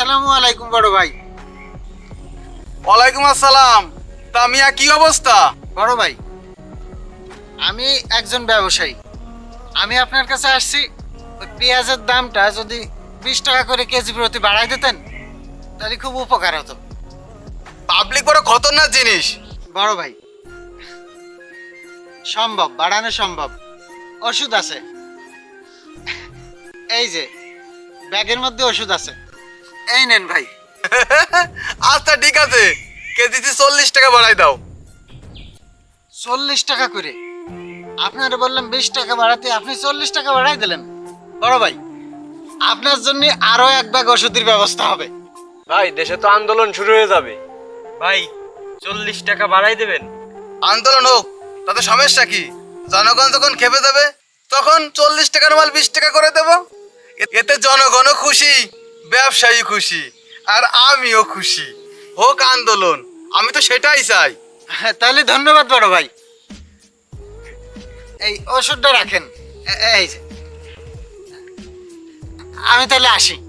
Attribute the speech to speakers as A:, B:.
A: আসসালামু আলাইকুম বড় ভাই।
B: ওয়ালাইকুম আসসালাম। তা মিয়া কি অবস্থা?
A: বড় ভাই, আমি একজন ব্যবসায়ী। আমি আপনার কাছে আসছি, ওই পেঁয়াজের দামটা যদি 20 টাকা করে কেজি প্রতি বাড়াই দিতেন তাহলে খুব উপকার হতো।
B: পাবলিক বড় খতরনাক জিনিস।
A: বড় ভাই, সম্ভব, বাড়ানো সম্ভব। ওষুধ আছে, এই যে ব্যাগের মধ্যে ওষুধ আছে, এই নেন ভাই।
B: আচ্ছা ঠিক আছে, কেজিতে 40 টাকা বাড়াই দাও।
A: 40 টাকা করে? আপনারা বললাম 20 টাকা বাড়াতে, আপনি 40 টাকা বাড়াই দিলেন। বড় ভাই, আপনার জন্য আরো এক ব্যাগ ওষুধের ব্যবস্থা হবে।
C: ভাই দেশে তো আন্দোলন শুরু হয়ে যাবে। ভাই 40 টাকা বাড়াই দেবেন?
B: আন্দোলন হোক, তাতে সমস্যা কি? জনগণ যখন খেপে যাবে তখন 40 টাকার মাল 20 টাকা করে দেব। এতে জনগণও খুশি, ব্যবসায়ী খুশি, আর আমিও খুশি। হোক আন্দোলন, আমি তো সেটাই চাই।
A: হ্যাঁ, তাহলে ধন্যবাদ বড় ভাই। এই ওষুধটা রাখেন, এই যে। আমি তাহলে আসি।